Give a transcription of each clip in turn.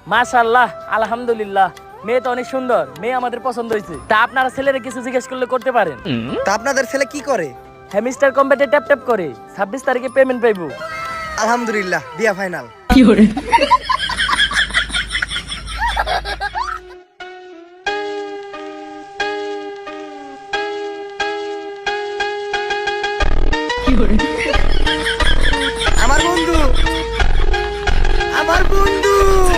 মাশাআল্লাহ, আলহামদুলিল্লাহ। মেয়ে তো অনেক সুন্দর, মেয়ে আমাদের পছন্দ হয়েছে। তা আপনারা ছেলেরা কিছু জিজ্ঞেস করলে করতে পারেন। তা আপনাদের ছেলে কি করে? হ্যামিস্টার কম্পিউটার ট্যাপ ট্যাপ করে 26 তারিখে পেমেন্ট পাইবো। আলহামদুলিল্লাহ, বিয়া ফাইনাল। আমার বন্ধু, আমার বন্ধু,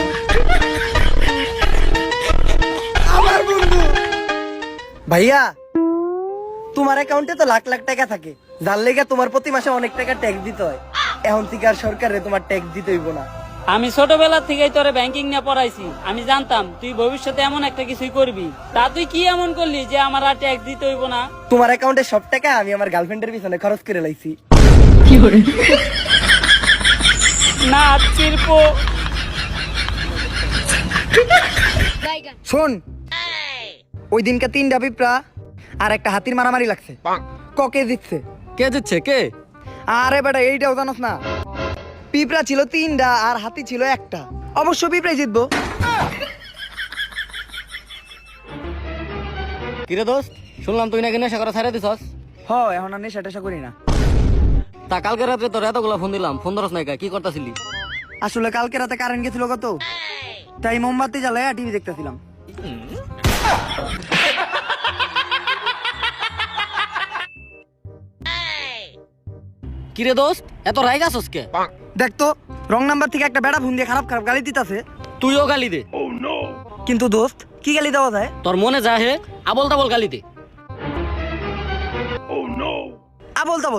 আমার বন্ধু। ভাইয়া, তোমার অ্যাকাউন্টে তো লাখ লাখ টাকা থাকে, যার লেগে তোমার প্রতি মাসে অনেক টাকা ট্যাক্স দিতে হয়। এখন থেকে আর সরকারে তোমার ট্যাক্স দিতে হইব না। আমি ছোটবেলা থেকেই তোরে ব্যাংকিং নিয়ে পড়াইছি। আমি জানতাম তুই ভবিষ্যতে এমন একটা কিছুই করবি। তা তুই কি এমন করলি যে আমার আর ট্যাক্স দিতে হইব না? তোমার অ্যাকাউন্টে সব টাকা আমি আমার গার্লফ্রেন্ডের পিছনে খরচ করে লাইছি। না চিরপ। শোন, ওই দিনকে 3টা পিঁপড়া আর একটা হাতির মারামারি লাগছে। ককে জিতছে? কে দিচ্ছে কে? আরে বেটা, এইটাও জানোস না? পিঁপড়া ছিল 3টা আর হাতি ছিল একটা। অবশ্য পিঁপড়াই জিতবো। কিরে দোস্ত, শুনলাম তুই নাকি নেশা করা ছাড়া দিছস। হ, এখন আর নেশা টেশা করি না। তা কালকে রাত্রে তোর এতগুলা ফোন দিলাম, ফোন ধরস নাই কা? কি করতেছিলি? আসলে কালকে রাতে কারেন্ট গেছিল কত, তাই মোমবাতি জ্বালায় টিভি দেখতেছিলাম। কিরে দোস্ত, এত রাগ আছস কে? দেখতো, রং নাম্বার থেকে একটা বেড়া ফোন দিয়ে খারাপ খারাপ গালি দিতেছে। তুইও গালি দে। কিন্তু দোস্ত, কি গালি দেওয়া যায়? তোর মনে যা হে আবল তাবল গালি দে। আবল তাবল।